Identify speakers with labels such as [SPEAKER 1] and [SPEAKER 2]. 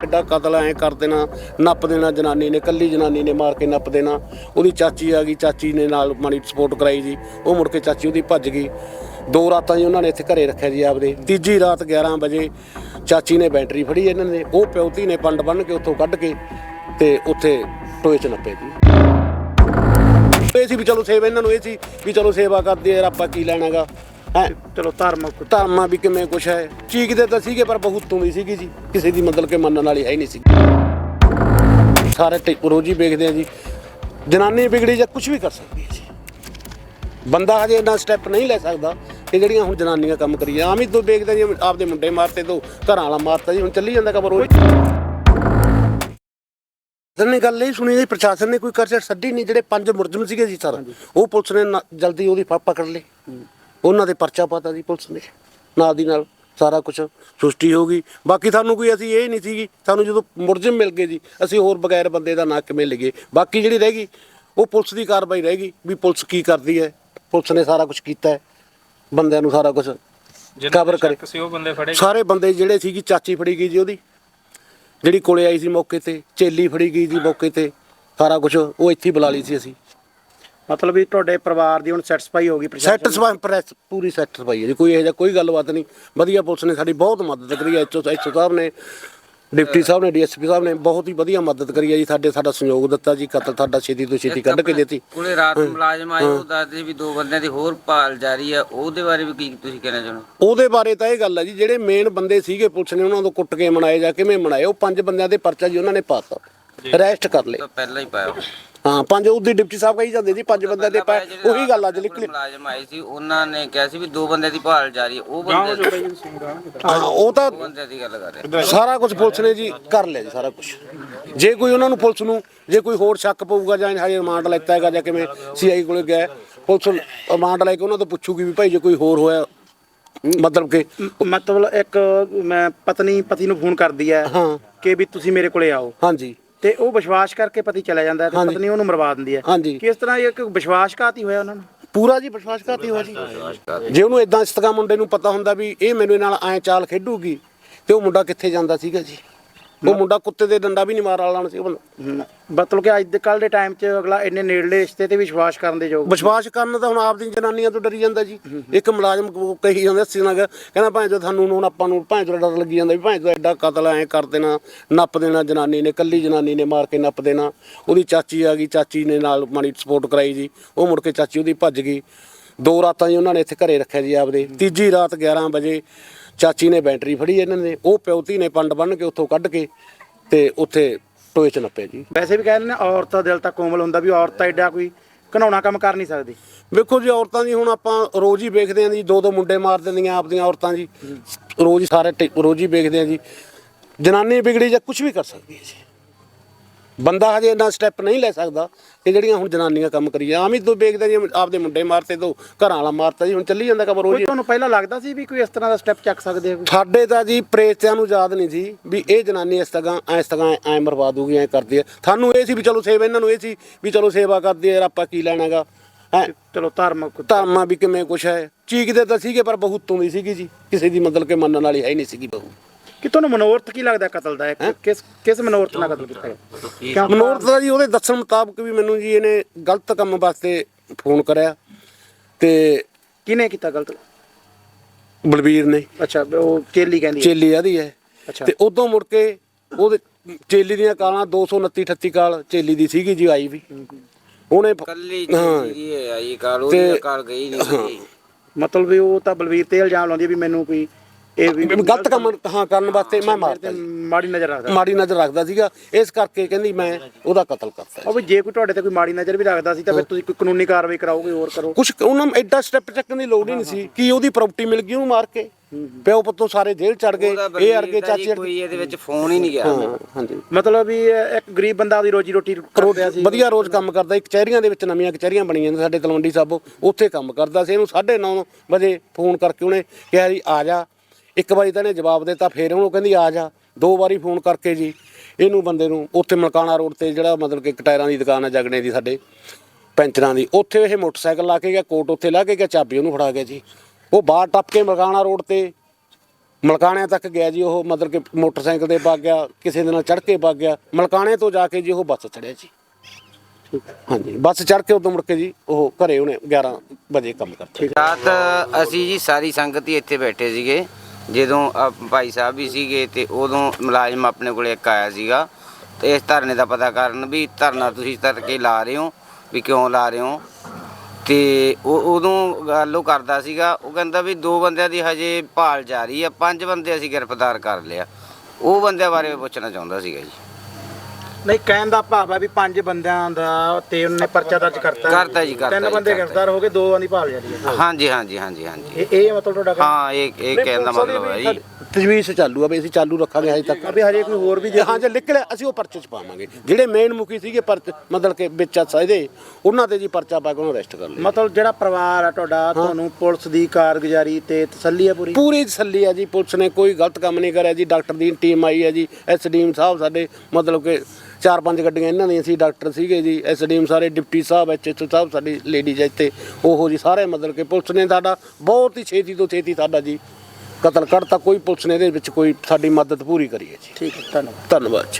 [SPEAKER 1] एडा कतल ऐ कर देना, नप देना जनानी ने, कल्ली जनानी ने मार के नप देना। ਉਹਦੀ ਚਾਚੀ आ गई, चाची ने नाल माड़ी सपोर्ट कराई जी। ਉਹ मुड़ के चाची ਉਹਦੀ ਭੱਜ गई। 2 ਰਾਤਾਂ जी उन्होंने ਇੱਥੇ ਘਰੇ ਰੱਖਿਆ ਜੀ ਆਪਦੇ। ਤੀਜੀ ਰਾਤ 11 ਵਜੇ ਚਾਚੀ ਨੇ ਬੈਟਰੀ ਫੜੀ ਇਹਨਾਂ ਨੇ, ਉਹ ਪਿਓਤੀ ਨੇ ਪੰਡ ਬੰਨ ਕੇ ਉੱਥੋਂ ਕੱਢ ਕੇ ਤੇ ਉੱਥੇ ਟੋਏ 'ਚ ਨੱਪੇ ਜੀ। ਇਹ ਸੀ ਵੀ ਚਲੋ ਸੇਵਾ ਇਹਨਾਂ ਨੂੰ, ਇਹ ਸੀ ਵੀ ਚਲੋ ਸੇਵਾ ਕਰਦੇ ਯਾਰ, ਆਪਾਂ ਕੀ ਲੈਣਾਗਾ ਹੈ।
[SPEAKER 2] ਚਲੋ
[SPEAKER 1] ਧਰਮਾਂ ਵੀ ਕਿਵੇਂ ਕੁਛ ਹੈ, ਚੀਕਦੇ ਤਾਂ ਸੀਗੇ ਪਰ ਬਹੁਤ ਦੀ ਸੀਗੀ ਜੀ, ਕਿਸੇ ਦੀ ਮਤਲਬ ਕਿ ਮੰਨਣ ਵਾਲੀ ਹੈ ਹੀ ਨਹੀਂ ਸੀ। ਸਾਰੇ ਰੋਜ਼ ਹੀ ਵੇਖਦੇ ਆ ਜੀ, ਜਨਾਨੀ ਵਿਗੜੀ ਜਾਂ ਕੁਛ ਵੀ ਕਰ ਸਕਦੀ ਹੈ ਜੀ। ਬੰਦਾ ਹਜੇ ਇੰਨਾ ਸਟੈਪ ਨਹੀਂ ਲੈ ਸਕਦਾ ਕਿ ਜਿਹੜੀਆਂ ਹੁਣ ਜਨਾਨੀਆਂ ਕੰਮ ਕਰੀ ਆਮ ਹੀ ਤੋਂ ਵੇਖਦੇ ਜੀ, ਆਪਦੇ ਮੁੰਡੇ ਮਾਰਤੇ ਤੋਂ ਘਰਾਂ ਵਾਲਾ ਮਾਰਤਾ ਜੀ, ਹੁਣ ਚੱਲੀ ਜਾਂਦਾ ਖਬਰ ਰੋਜ਼। ਨੇ ਗੱਲ ਇਹ ਸੁਣੀ ਜੀ, ਪ੍ਰਸ਼ਾਸਨ ਨੇ ਕੋਈ ਕਰਚਾ ਛੱਡੀ ਨਹੀਂ। ਜਿਹੜੇ 5 ਮੁਲਜ਼ਮ ਸੀਗੇ ਜੀ ਸਰ, ਉਹ ਪੁਲਿਸ ਨੇ ਜਲਦੀ ਉਹਦੀ ਪਕੜ ਲਏ, ਉਹਨਾਂ ਦੇ ਪਰਚਾ ਪਾਤਾ ਜੀ ਪੁਲਿਸ ਨੇ, ਨਾਲ ਦੀ ਨਾਲ ਸਾਰਾ ਕੁਛ ਸੁਸ਼ਟੀ ਹੋ ਗਈ। ਬਾਕੀ ਸਾਨੂੰ ਕੋਈ ਅਸੀਂ ਇਹ ਨਹੀਂ ਸੀਗੀ, ਸਾਨੂੰ ਜਦੋਂ ਮੁਲਜ਼ਮ ਮਿਲ ਗਏ ਜੀ, ਅਸੀਂ ਹੋਰ ਬਗੈਰ ਬੰਦੇ ਦਾ ਨਾਂ ਕਿਵੇਂ ਲਈਏ। ਬਾਕੀ ਜਿਹੜੀ ਰਹਿ ਗਈ ਉਹ ਪੁਲਿਸ ਦੀ ਕਾਰਵਾਈ ਰਹਿ ਗਈ ਵੀ ਪੁਲਿਸ ਕੀ ਕਰਦੀ ਹੈ। ਪੁਲਿਸ ਨੇ ਸਾਰਾ ਕੁਛ ਕੀਤਾ ਹੈ, ਬੰਦਿਆਂ ਨੂੰ ਸਾਰਾ ਕੁਛ ਕਵਰ ਕਰੇ। ਸਾਰੇ ਬੰਦੇ ਜਿਹੜੇ ਸੀਗੀ, ਚਾਚੀ ਫੜੀ ਗਈ ਜੀ ਉਹਦੀ, ਜਿਹੜੀ ਕੋਲੇ ਆਈ ਸੀ ਮੌਕੇ ਤੇ, ਚੇਲੀ ਫੜੀ ਗਈ ਜੀ ਮੌਕੇ ਤੇ, ਸਾਰਾ ਕੁਛ ਉਹ ਇੱਥੇ ਬੁਲਾ ਲਈ ਸੀ ਅਸੀਂ।
[SPEAKER 2] ਮਤਲਬ ਵੀ ਤੁਹਾਡੇ ਪਰਿਵਾਰ ਦੀ ਹੁਣ ਸੈਟੀਸਫਾਈ ਹੋ ਗਈ?
[SPEAKER 1] ਸੈਟੀਸਫਾਈ ਪ੍ਰੈਸ ਪੂਰੀ ਸੈਟੀਸਫਾਈ ਹੈ ਜੀ, ਕੋਈ ਇਹੋ ਜਿਹਾ ਕੋਈ ਗੱਲਬਾਤ ਨਹੀਂ। ਵਧੀਆ ਪੁਲਿਸ ਨੇ ਸਾਡੀ ਬਹੁਤ ਮਦਦ ਕਰੀ ਹੈ। ਐਚਓ ਸਾਹਿਬ ਨੇ, ਡਿਪਟੀ ਸਾਹਿਬ ਨੇ, ਡੀਐਸਪੀ ਸਾਹਿਬ ਨੇ ਬਹੁਤ ਹੀ ਵਧੀਆ ਮਦਦ ਕਰੀ ਹੈ ਜੀ। ਸਾਡਾ ਸਹਿਯੋਗ ਦਿੱਤਾ ਜੀ, ਕਤਲ ਸਾਡਾ ਛੇਤੀ ਤੋਂ ਛੇਤੀ ਕੱਢ ਕੇ ਦਿੱਤੀ।
[SPEAKER 3] ਕੋਲੇ ਰਾਤ ਨੂੰ ਮੁਲਾਜ਼ਮ ਆਏ, ਉਹ ਦੱਸਦੇ ਵੀ 2 ਬੰਦਿਆਂ ਦੀ ਹੋਰ ਭਾਲ ਜਾਰੀ ਹੈ, ਉਹਦੇ ਬਾਰੇ ਵੀ ਕੀ ਤੁਸੀਂ ਕਹਿਣਾ ਚਾਹੁੰਦੇ?
[SPEAKER 1] ਉਹਦੇ ਬਾਰੇ ਤਾਂ ਇਹ ਗੱਲ ਹੈ ਜੀ, ਜਿਹੜੇ ਮੇਨ ਬੰਦੇ ਸੀਗੇ ਪੁਲਿਸ ਨੇ ਉਹਨਾਂ ਤੋਂ ਕੁੱਟ ਕੇ ਮਨਾਏ ਜਾਂ ਕਿਵੇਂ ਮਨਾਏ, ਉਹ 5 ਬੰਦਿਆਂ ਦੇ ਪਰਚਾ ਜੀ ਉਹਨਾਂ ਨੇ ਪਾਤਾ, ਅਰੈਸਟ ਕਰ ਲਏ।
[SPEAKER 3] ਪਹਿਲਾਂ ਹੀ ਪਾਇਆ
[SPEAKER 1] ਹਾਂ, 5 ਉਹਦੀ ਡਿਪਟੀ ਸਾਹਿਬ ਕਹੀ ਜਾਂਦੇ ਜੀ 5 ਬੰਦਿਆਂ ਦੇ ਪਾਏ, ਉਹੀ ਗੱਲ ਅੱਜ ਨਿਕਲੀ।
[SPEAKER 3] ਮੁਲਾਜ਼ਮ ਆਏ ਸੀ, ਉਹਨਾਂ ਨੇ ਕਿਹਾ ਸੀ ਵੀ 2 ਬੰਦਿਆਂ ਦੀ ਭਾਲ ਜਾਰੀ ਹੈ, ਉਹ ਬੰਦੇ
[SPEAKER 1] ਹਾਂ, ਉਹ ਤਾਂ
[SPEAKER 3] ਬੰਦਿਆਂ ਦੀ ਗੱਲ ਕਰ ਰਹੇ।
[SPEAKER 1] ਸਾਰਾ ਕੁਝ ਪੁਲਿਸ ਨੇ ਜੀ ਕਰ ਲਿਆ ਜੀ ਸਾਰਾ ਕੁਝ। ਜੇ ਕੋਈ ਉਹਨਾਂ ਨੂੰ ਪੁਲਿਸ ਨੂੰ ਜੇ ਕੋਈ ਹੋਰ ਸ਼ੱਕ ਪਊਗਾ ਜਾਂ ਹਜੇ ਰਿਮਾਂਡ ਲੈਤਾ ਹੈਗਾ ਜਾਂ ਕਿਵੇਂ ਸੀਆਈ ਕੋਲੇ ਗਿਆ, ਪੁਲਿਸ ਰਿਮਾਂਡ ਲੈ ਕੇ ਉਹਨਾਂ ਤੋਂ ਪੁੱਛੂਗੀ ਵੀ ਭਾਈ ਜੇ ਕੋਈ ਹੋਰ ਹੋਇਆ, ਮਤਲਬ
[SPEAKER 2] ਇੱਕ ਮੈਂ ਪਤੀ ਨੂੰ ਫੋਨ ਕਰਦੀ ਹੈ ਕਿ ਵੀ ਤੁਸੀਂ ਮੇਰੇ ਕੋਲੇ ਆਓ।
[SPEAKER 1] ਹਾਂਜੀ,
[SPEAKER 2] ਤੇ ਉਹ ਵਿਸ਼ਵਾਸ ਕਰਕੇ ਪਤੀ ਚਲਾ ਜਾਂਦਾ ਹੈ ਤੇ ਪਤਨੀ ਉਹਨੂੰ ਮਰਵਾ ਦਿੰਦੀ ਹੈ। ਕਿਸ ਤਰ੍ਹਾਂ ਇਹ ਇੱਕ ਵਿਸ਼ਵਾਸਘਾਤੀ ਹੋਇਆ ਉਹਨਾਂ ਨੂੰ?
[SPEAKER 1] ਪੂਰਾ ਜੀ ਵਿਸ਼ਵਾਸਘਾਤੀ ਹੋਇਆ ਜੀ। ਜੇ ਉਹਨੂੰ ਇਦਾਂ ਇਸਤਗਾ ਮੁੰਡੇ ਨੂੰ ਪਤਾ ਹੁੰਦਾ ਵੀ ਇਹ ਮੈਨੂੰ ਨਾਲ ਐਂ ਚਾਲ ਖੇਡੂਗੀ ਤੇ ਉਹ ਮੁੰਡਾ ਕਿੱਥੇ ਜਾਂਦਾ ਸੀਗਾ ਜੀ। ਉਹ ਮੁੰਡਾ ਕੁੱਤੇ ਦੇ ਡੰਡਾ ਵੀ ਨਹੀਂ ਮਾਰ ਵਾਲਾ ਸੀ।
[SPEAKER 2] ਮਤਲਬ ਕਿ ਅੱਜ ਕੱਲ੍ਹ ਦੇ ਟਾਈਮ 'ਚ ਅਗਲਾ ਇੰਨੇ ਨੇੜਲੇ ਰਿਸ਼ਤੇ ਤੇ ਵਿਸ਼ਵਾਸ ਕਰਨ ਦੇ ਯੋਗ,
[SPEAKER 1] ਵਿਸ਼ਵਾਸ ਕਰਨ ਤਾਂ ਹੁਣ ਆਪਦੀ ਜਨਾਨੀਆਂ ਤੋਂ ਡਰੀ ਜਾਂਦਾ ਜੀ। ਇੱਕ ਮੁਲਾਜ਼ਮ ਕਹੀ ਜਾਂਦਾ ਸੀ ਨਾ, ਕਹਿੰਦਾ ਭਾਵੇਂ ਜੋ ਤੁਹਾਨੂੰ ਹੁਣ ਆਪਾਂ ਨੂੰ ਭਾਵੇਂ ਤੋਂ ਡਰ ਲੱਗੀ ਜਾਂਦਾ ਵੀ ਭਾਵੇਂ ਤੋਂ ਐਡਾ ਕਤਲ ਐਂ ਕਰ ਦੇਣਾ, ਨੱਪ ਦੇਣਾ ਜਨਾਨੀ ਨੇ, ਕੱਲੀ ਜਨਾਨੀ ਨੇ ਮਾਰ ਕੇ ਨੱਪ ਦੇਣਾ। ਉਹਦੀ ਚਾਚੀ ਆ ਗਈ, ਚਾਚੀ ਨੇ ਨਾਲ ਮਾੜੀ ਸਪੋਰਟ ਕਰਾਈ ਜੀ। ਉਹ ਮੁੜ ਕੇ ਚਾਚੀ ਉਹਦੀ ਭੱਜ ਗਈ। 2 ਰਾਤਾਂ ਜੀ ਉਹਨਾਂ ਨੇ ਇੱਥੇ ਘਰੇ ਰੱਖਿਆ ਜੀ ਆਪਦੇ। ਤੀਜੀ ਰਾਤ 11 ਵਜੇ ਚਾਚੀ ਨੇ ਬੈਟਰੀ ਫੜੀ ਇਹਨਾਂ ਨੇ, ਉਹ ਪਿਓਤੀ ਨੇ ਪੰਡ ਬੰਨ ਕੇ ਉੱਥੋਂ ਕੱਢ ਕੇ ਤੇ ਉੱਥੇ ਟੋਏ 'ਚ ਨੱਪਿਆ ਜੀ।
[SPEAKER 2] ਵੈਸੇ ਵੀ ਕਹਿੰਦੇ ਨੇ ਔਰਤ ਦਾ ਦਿਲ ਤਾਂ ਕੋਮਲ ਹੁੰਦਾ, ਵੀ ਔਰਤ ਐਡਾ ਕੋਈ ਘਿਨਾਉਣਾ ਕੰਮ ਕਰ ਨਹੀਂ ਸਕਦੀ।
[SPEAKER 1] ਵੇਖੋ ਜੀ, ਔਰਤਾਂ ਦੀ ਹੁਣ ਆਪਾਂ ਰੋਜ਼ ਹੀ ਵੇਖਦੇ ਹਾਂ ਜੀ, 2 ਮੁੰਡੇ ਮਾਰ ਦਿੰਦੀਆਂ ਆਪਦੀਆਂ ਔਰਤਾਂ ਜੀ, ਰੋਜ਼ ਹੀ ਸਾਰੇ ਰੋਜ਼ ਹੀ ਵੇਖਦੇ ਹਾਂ ਜੀ। ਜਨਾਨੀ ਵਿਗੜੀ ਜਾਂ ਕੁਛ ਵੀ ਕਰ ਸਕਦੀ ਹੈ ਜੀ। ਬੰਦਾ ਹਜੇ ਇੰਨਾ ਸਟੈਪ ਨਹੀਂ ਲੈ ਸਕਦਾ ਕਿ ਜਿਹੜੀਆਂ ਹੁਣ ਜਨਾਨੀਆਂ ਕੰਮ ਕਰੀ ਆਮ ਹੀ ਤੋਂ ਵੇਖਦੇ ਜੀ, ਆਪਦੇ ਮੁੰਡੇ ਮਾਰਤੇ ਤੋਂ ਘਰਾਂ ਵਾਲਾ ਮਾਰਤਾ ਜੀ, ਹੁਣ ਚੱਲੀ ਜਾਂਦਾ ਖਬਰ ਰੋਜ਼।
[SPEAKER 2] ਤੁਹਾਨੂੰ ਪਹਿਲਾਂ ਲੱਗਦਾ ਸੀ ਵੀ ਕੋਈ ਇਸ ਤਰ੍ਹਾਂ ਦਾ ਸਟੈਪ ਚੱਕ ਸਕਦੇ ਆ?
[SPEAKER 1] ਸਾਡੇ ਤਾਂ ਜੀ ਪ੍ਰੇਤਿਆਂ ਨੂੰ ਯਾਦ ਨਹੀਂ ਸੀ ਵੀ ਇਹ ਜਨਾਨੀ ਇਸ ਤਰ੍ਹਾਂ ਐ ਮਰਵਾ ਦੂਗੀ, ਐ ਕਰਦੀ ਹੈ। ਸਾਨੂੰ ਇਹ ਸੀ ਵੀ ਚਲੋ ਸੇਵਾ, ਇਹਨਾਂ ਨੂੰ ਇਹ ਸੀ ਵੀ ਚਲੋ ਸੇਵਾ ਕਰਦੀ ਹੈ ਯਾਰ, ਆਪਾਂ ਕੀ ਲੈਣਾਗਾ ਹੈ।
[SPEAKER 2] ਚਲੋ
[SPEAKER 1] ਧਰਮਾਂ ਵੀ ਕਿਵੇਂ ਕੁਛ ਹੈ, ਚੀਕਦੇ ਤਾਂ ਸੀਗੇ ਪਰ ਬਹੁਤ ਦੀ ਸੀਗੀ ਜੀ, ਕਿਸੇ ਦੀ ਮਤਲਬ ਕਿ ਮੰਨਣ ਵਾਲੀ ਹੈ ਹੀ ਨਹੀਂ ਸੀਗੀ ਬਹੂ।
[SPEAKER 2] ਕਿ ਤੁਹਾਨੂੰ ਮਨੋਰਥ ਕੀ ਲੱਗਦਾ ਕਤਲ ਦਾ? ਕਿਸ ਮਨੋਰਥ ਨਾਲ ਕਤਲ ਕੀਤਾ?
[SPEAKER 1] ਮਨੋਰਥ ਦਾ ਜੀ ਉਹਦੇ ਦੱਸਣ ਮੁਤਾਬਕ ਵੀ ਮੈਨੂੰ ਜੀ ਇਹਨੇ ਗਲਤ ਕੰਮ ਵਾਸਤੇ ਫੋਨ ਕਰਿਆ। ਤੇ
[SPEAKER 2] ਕਿਹਨੇ ਕੀਤਾ ਗਲਤ?
[SPEAKER 1] ਬਲਬੀਰ ਨੇ।
[SPEAKER 2] ਅੱਛਾ, ਉਹ ਚੇਲੀ ਕਹਿੰਦੀ?
[SPEAKER 1] ਚੇਲੀ ਆਦੀ ਹੈ। ਤੇ ਉਦੋਂ ਮੁੜ ਕੇ ਉਹਦੇ ਚੇਲੀ ਦੀਆਂ ਕਾਲਾਂ 229 38 ਕਾਲ ਚੇਲੀ ਦੀ ਸੀਗੀ ਜੀ, ਆਈ ਵੀ ਉਹਨੇ
[SPEAKER 3] ਕੱਲੀ ਜੀ ਆਈ ਕਾਲ, ਉਹਦੀ ਕਾਲ ਗਈ ਨਹੀਂ।
[SPEAKER 2] ਮਤਲਬ ਵੀ ਉਹ ਤਾਂ ਬਲਬੀਰ ਤੇ ਇਲਜ਼ਾਮ ਲਾਉਂਦੀ ਵੀ ਮੈਨੂੰ ਕੋਈ ਇਹ ਵੀ
[SPEAKER 1] ਗਲਤ ਕੰਮ ਕਰਨ ਵਾਸਤੇ ਮੈਂ ਮਾਰਤਾ,
[SPEAKER 2] ਮਾੜੀ ਨਜ਼ਰ ਰੱਖਦਾ
[SPEAKER 1] ਸੀਗਾ, ਇਸ ਕਰਕੇ ਕਹਿੰਦੀ ਮੈਂ ਉਹਦਾ ਕਤਲ ਕਰਤਾ।
[SPEAKER 2] ਉਹ ਵੀ ਜੇ ਕੋਈ ਤੁਹਾਡੇ ਤੇ ਕੋਈ ਮਾੜੀ ਨਜ਼ਰ ਵੀ ਰੱਖਦਾ ਸੀ ਤਾਂ ਫਿਰ ਤੁਸੀਂ ਕੋਈ ਕਾਨੂੰਨੀ ਕਾਰਵਾਈ ਕਰਾਓਗੇ, ਹੋਰ ਕਰੋ ਕੁਛ।
[SPEAKER 1] ਉਹਨਾਂ ਨੂੰ ਐਡਾ ਸਟੈਪ ਚੱਕਣ ਦੀ ਲੋੜ ਹੀ ਨਹੀਂ ਸੀ ਕਿ ਉਹਦੀ ਪ੍ਰਾਪਰਟੀ ਮਿਲ ਗਈ ਉਹਨੂੰ ਮਾਰ ਕੇ, ਪਿਓ ਪੁੱਤੋਂ ਸਾਰੇ ਜੇਲ੍ਹ ਚੜ ਗਏ। ਇਹ ਅਰਗੇ ਚਾਚੇ
[SPEAKER 3] ਕੋਈ ਇਹਦੇ ਵਿੱਚ ਫੋਨ ਹੀ ਨਹੀਂ ਗਿਆ।
[SPEAKER 1] ਹਾਂਜੀ,
[SPEAKER 2] ਮਤਲਬ ਵੀ ਇੱਕ ਗਰੀਬ ਬੰਦਾ ਆਪਦੀ ਰੋਜੀ ਰੋਟੀ ਕਰਦਾ ਸੀ,
[SPEAKER 1] ਵਧੀਆ ਰੋਜ਼ ਕੰਮ ਕਰਦਾ। ਇੱਕ ਕਚਹਿਰੀਆਂ ਦੇ ਵਿੱਚ ਨਵੀਆਂ ਕਚਹਿਰੀਆਂ ਬਣੀਆਂ ਨੇ ਸਾਡੇ ਤਲਵੰਡੀ ਸਾਬੋ, ਉੱਥੇ ਕੰਮ ਕਰਦਾ ਸੀ। ਇਹਨੂੰ 9:30 ਵਜੇ ਫੋਨ ਕਰਕੇ ਉਹਨੇ ਕਿਹਾ ਜੀ ਆ ਜਾ। 1 ਵਾਰੀ ਤਾਂ ਇਹਨੇ ਜਵਾਬ ਦਿੱਤਾ, ਫਿਰ ਉਹਨੂੰ ਕਹਿੰਦੀ ਆ ਜਾ। 2 ਵਾਰੀ ਫੋਨ ਕਰਕੇ ਜੀ ਇਹਨੂੰ ਬੰਦੇ ਨੂੰ ਉੱਥੇ ਮਲਕਾਣਾ ਰੋਡ ਤੇ ਜਿਹੜਾ ਮਤਲਬ ਕਿ ਟਾਇਰਾਂ ਦੀ ਦੁਕਾਨ ਹੈ ਜਗਣੇ ਦੀ ਸਾਡੇ ਪੈਂਚਰਾਂ ਦੀ, ਉੱਥੇ ਇਹ ਮੋਟਰਸਾਈਕਲ ਲਾ ਕੇ ਗਿਆ, ਕੋਟ ਉੱਥੇ ਲਾ ਕੇ ਗਿਆ, ਚਾਬੀ ਉਹਨੂੰ ਫੜਾ ਗਿਆ ਜੀ। ਉਹ ਬਾਹਰ ਟੱਪ ਕੇ ਮਲਕਾਣਾ ਰੋਡ ਤੇ ਮਲਕਾਣੇ ਤੱਕ ਗਿਆ ਜੀ ਉਹ, ਮਤਲਬ ਕਿ ਮੋਟਰਸਾਈਕਲ ਤੇ ਵਗ ਗਿਆ, ਕਿਸੇ ਦੇ ਨਾਲ ਚੜ੍ਹ ਕੇ ਵਗ ਗਿਆ। ਮਲਕਾਣੇ ਤੋਂ ਜਾ ਕੇ ਜੀ ਉਹ ਬੱਸ ਚੜ੍ਹਿਆ ਜੀ। ਹਾਂਜੀ, ਬੱਸ ਚੜ੍ਹ ਕੇ ਉਦੋਂ ਮੁੜ ਕੇ ਜੀ ਉਹ ਘਰੇ ਉਹਨੇ 11 ਵਜੇ ਕੰਮ ਕਰਤਾ।
[SPEAKER 3] ਰਾਤ ਅਸੀਂ ਜੀ ਸਾਰੀ ਸੰਗਤ ਹੀ ਇੱਥੇ ਬੈਠੇ ਸੀਗੇ, ਜਦੋਂ ਭਾਈ ਸਾਹਿਬ ਵੀ ਸੀਗੇ ਤੇ ਉਦੋਂ ਮੁਲਾਜ਼ਮ ਆਪਣੇ ਕੋਲੇ ਇੱਕ ਆਇਆ ਸੀਗਾ ਤੇ ਇਸ ਧਰਨੇ ਦਾ ਪਤਾ ਕਰਨ ਵੀ ਧਰਨਾ ਤੁਸੀਂ ਤੜਕੇ ਲਾ ਰਹੇ ਹੋ, ਵੀ ਕਿਉਂ ਲਾ ਰਹੇ ਹੋ। ਤੇ ਉਹ ਉਦੋਂ ਗੱਲ ਉਹ ਕਰਦਾ ਸੀਗਾ, ਉਹ ਕਹਿੰਦਾ ਵੀ 2 ਬੰਦਿਆਂ ਦੀ ਹਜੇ ਭਾਲ ਜਾਰੀ ਆ, 5 ਬੰਦੇ ਅਸੀਂ ਗ੍ਰਿਫਤਾਰ ਕਰ ਲਿਆ। ਉਹ ਬੰਦਿਆਂ ਬਾਰੇ ਪੁੱਛਣਾ ਚਾਹੁੰਦਾ ਸੀਗਾ ਜੀ।
[SPEAKER 2] ਨਹੀਂ, ਕਹਿਣ ਦਾ ਭਾਵ ਹੈ ਵੀ 5 ਬੰਦਿਆਂ ਦਾ ਤੇ ਉਹਨੇ ਪਰਚਾ ਦਰਜ ਕਰਤਾ
[SPEAKER 3] ਜੀ, ਕਰਤਾ
[SPEAKER 2] 3 ਬੰਦੇ ਗ੍ਰਿਫਤਾਰ ਹੋ ਗਏ, 2 ਦੀ ਭਾਲ ਜਾਰੀ ਹੈ।
[SPEAKER 3] ਹਾਂਜੀ ਹਾਂਜੀ ਹਾਂਜੀ ਹਾਂਜੀ,
[SPEAKER 2] ਇਹ ਮਤਲਬ ਤੁਹਾਡਾ
[SPEAKER 3] ਹਾਂ ਇਹ ਕਹਿਣ ਦਾ ਮਤਲਬ ਹੈ ਜੀ।
[SPEAKER 1] ਤਜਵੀਜ਼ ਚਾਲੂ ਆ ਵੀ ਅਸੀਂ ਚਾਲੂ ਰੱਖਾਂਗੇ ਹਜੇ ਤੱਕ।
[SPEAKER 2] ਵੀ ਹਜੇ ਕੋਈ ਹੋਰ ਵੀ
[SPEAKER 1] ਹਾਂ ਜੇ ਨਿਕਲਿਆ ਅਸੀਂ ਉਹ ਪਰਚੇ ਚ ਪਾਵਾਂਗੇ। ਜਿਹੜੇ ਮੇਨ ਮੁਖੀ ਸੀਗੇ ਮਤਲਬ ਕਿ ਵਿੱਚ ਇਹਦੇ ਉਹਨਾਂ ਤੇ ਜੀ ਪਰਚਾ ਪਾ ਕੇ ਉਹਨੂੰ ਅਰੈਸਟ ਕਰ ਲਿਆ।
[SPEAKER 2] ਮਤਲਬ ਜਿਹੜਾ ਪਰਿਵਾਰ ਆ ਤੁਹਾਡਾ, ਤੁਹਾਨੂੰ ਪੁਲਿਸ ਦੀ ਕਾਰਗੁਜ਼ਾਰੀ ਤੇ ਤਸੱਲੀ ਆ ਪੂਰੀ?
[SPEAKER 1] ਪੂਰੀ ਤਸੱਲੀ ਆ ਜੀ, ਪੁਲਿਸ ਨੇ ਕੋਈ ਗਲਤ ਕੰਮ ਨਹੀਂ ਕਰਿਆ ਜੀ। ਡਾਕਟਰ ਦੀ ਟੀਮ ਆਈ ਹੈ ਜੀ, ਐਸਡੀਐਮ ਸਾਹਿਬ ਸਾਡੇ, ਮਤਲਬ ਕਿ 4-5 ਗੱਡੀਆਂ ਇਹਨਾਂ ਦੀਆਂ ਸੀ, ਡਾਕਟਰ ਸੀਗੇ ਜੀ, ਐਸਡੀਐਮ ਸਾਰੇ, ਡਿਪਟੀ ਸਾਹਿਬ, ਐਚਐਚਓ ਸਾਹਿਬ, ਸਾਡੀ ਲੇਡੀਜ਼ ਇੱਥੇ ਉਹ ਜੀ ਸਾਰੇ, ਮਤਲਬ ਕਿ ਪੁਲਿਸ ਨੇ ਸਾਡਾ ਬਹੁਤ ਹੀ ਛੇਤੀ ਤੋਂ ਛੇਤੀ ਸਾਡਾ ਜੀ ਕਤਲ ਕਰਤਾ। ਕੋਈ ਪੁਲਿਸ ਨੇ ਇਹਦੇ ਵਿੱਚ ਕੋਈ ਸਾਡੀ ਮਦਦ ਪੂਰੀ ਕਰੀ ਹੈ ਜੀ।
[SPEAKER 2] ਠੀਕ ਹੈ, ਧੰਨਵਾਦ।
[SPEAKER 1] ਧੰਨਵਾਦ ਜੀ।